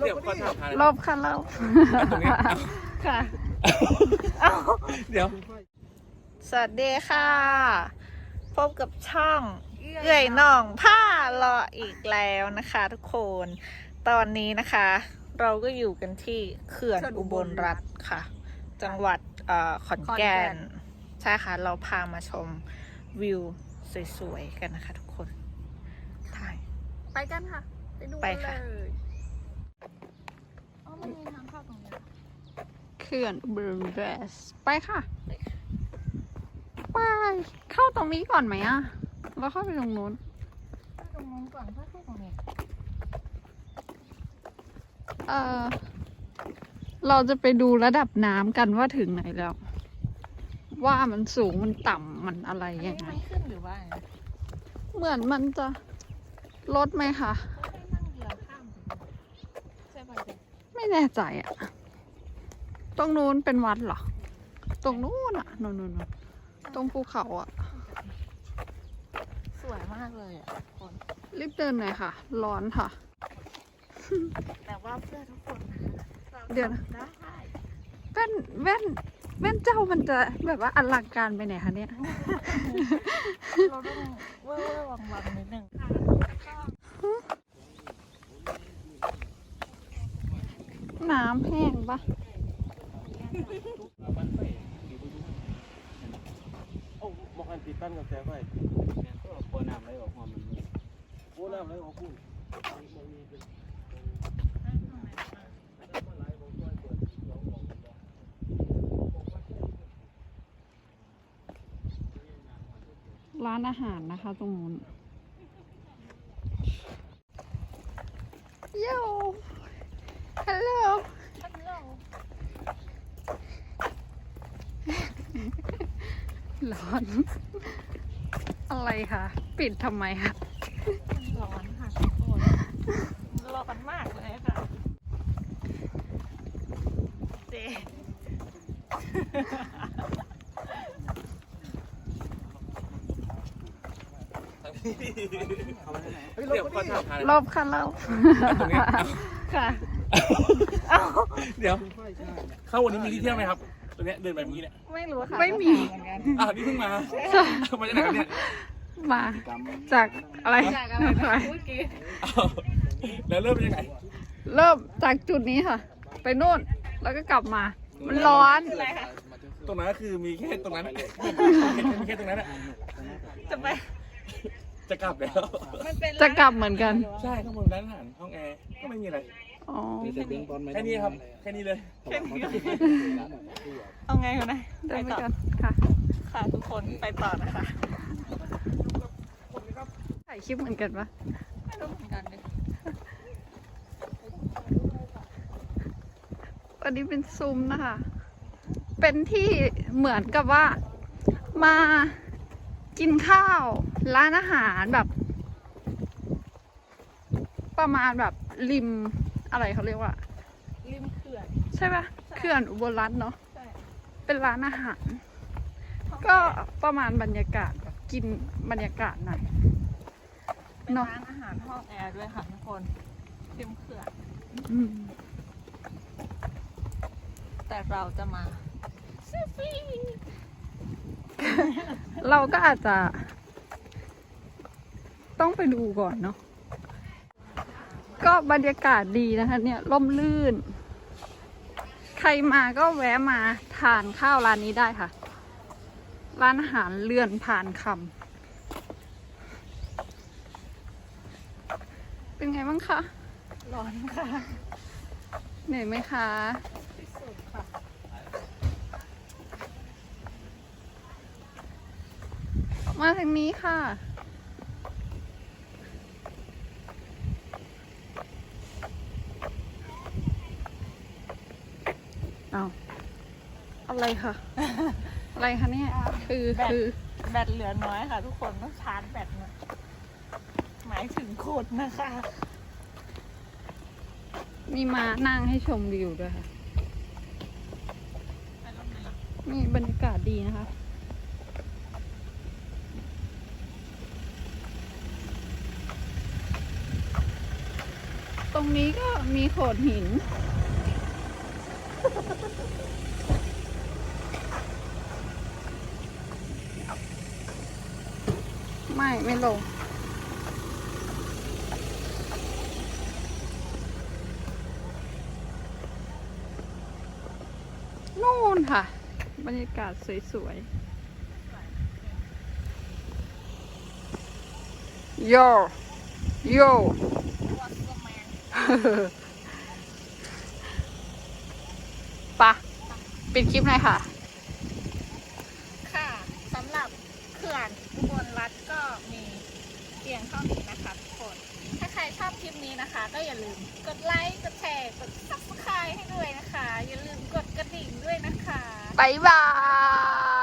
เดี๋ยวขอถามหาลบค่ะลบตรงนี้ค่ะเดี๋ยวสวัสดีค่ะ พบกับช่องเอื่อยน่องผ้ารออีกแล้วนะคะทุกคน ตอนนี้นะคะ เราก็อยู่กันที่เขื่อนอุบลรัตน์ค่ะ จังหวัดขอนแก่น ใช่ค่ะ เราพามาชมวิวสวยๆกันนะคะทุกคนถ่ายไปกันค่ะ ไปดูไปกันค่ะเลยอ๋อมันมีทางเข้าตรงนี้เขื่อนอุบลรัตน์ไปค่ะ ไปเข้าตรงนี้ก่อนไหมอะเราเข้าไปตรงนู้นตรงนู้นก่อนถ้าเข้าตรงนี้เราจะไปดูระดับน้ำกันว่าถึงไหนแล้ว ว่ามันสูงมันต่ำมันอะไรอันยันี้งไงมันขึ้นหรือว่าไงเหมือนมันจะลดไหมคะไม่ได้นั่งเรือข้ามไปใช่ป่ะเจ๊ไม่แน่ใจอะตรงนู้นเป็นวัดเหรอ ตรงนู้นอะนู่นตรงภูเขาอะสวยมากเลยอ่ะคนรีบเดินหน่อยค่ะ ร้อนค่ะแต่ว่าเพื่อทุกคนนะคะเดี๋ยวนะได้แว่นเจ้ามันจะแบบว่าอลังการไปไหนคะเนี่ยเราต้องเว่อร์วังนิดนึงน้ำแห้งปะโอ้มองกันติดตั้งกับแสไฟก็โคน้ำไหลออกมามันโคน้ำไหลออกพุ่นร้านอาหารนะคะตรงนู้นโย่ฮัลโหลท่านเราร้อน อะไรคะปิดทำไมคะร้อนค่ะทุกคนร้อนมากเลยค่ะเจ๊เดี๋ยวขอถามหาลบค่ะลบตรงนี้ค่ะเดี๋ยว เข้าวันนี้มีที่เที่ยวไหมครับ ตัวเนี้ยเดินแบบนี้เนี่ยไม่รู้ค่ะไม่มีเหมือนกันนี่เพิ่งมามาจากไหนครับเนี่ยมาจากอะไรจากอะไรนะเมื่อกี้อ้าวแล้วเริ่มเป็นยังไงเริ่มจากจุดนี้ค่ะ ไปนู่นแล้วก็กลับมา มันร้อนอะไรคะตรงนั้นก็คือมีแค่ตรงนั้นมีแค่ตรงนั้นอะจะไปจะกลับแล้วมันเป็นจะกลับเหมือนกันใช่ข้างบนร้านอาหารห้องแอร์ก็ไม่มีอะไรอ๋อแค่นี้ครับ แค่นี้เลยเอาไงกันนะเดินไปต่อกันค่ะค่ะทุกคนไปต่อนะคะถ่ายคลิปเหมือนกันปะไม่รู้เหมือนกันเลยอันนี้เป็นซุ้มนะคะ เป็นที่เหมือนกับว่ามากินข้าวร้านอาหารแบบ ประมาณแบบริมอะไรเขาเรียกว่าริมเขื่อนใช่ปะเขื่อนอุบลรัตน์เนาะใช่เป็นร้านอาหาร ก็ประมาณบรรยากาศแบบกินบรรยากาศหน่อยเป็นเนอะร้านอาหารห้องแอร์ด้วยค่ะทุกคนริมเขื่อนอืมแต่เราจะมาเราก็อาจจะ ต้องไปดูก่อนเนาะก็บรรยากาศดีนะคะเนี่ยร่มรื่น ใครมาก็แวะมาทานข้าวร้านนี้ได้ค่ะ ร้านอาหารเรือนพานคำเป็นไงบ้างคะร้อนค่ะเหนื่อยไหมคะที่สุดค่ะมาทางนี้ค่ะ เอาอะไรคะ อะไรคะเนี่ย คือแบตเหลือน้อยค่ะ ทุกคนต้องชาร์จแบตหน่อยหมายถึงโคตรนะคะมีมานั่งให้ชมวิวด้วยค่ะ นี่บรรยากาศดีนะคะตรงนี้ก็มีโขดหิน ไม่ลง นู่นค่ะ บรรยากาศสวยๆ โย โย ปะปิดคลิปหน่อยค่ะค่ะสำหรับเขื่อนอุบลรัตน์ก็มีเพียงเท่านี้นะคะทุกคน ถ้าใครชอบคลิปนี้นะคะ ก็อย่าลืมกดไลค์กดแชร์กด Subscribe ให้ด้วยนะคะ อย่าลืมกดกระดิ่งด้วยนะคะบ๊ายบาย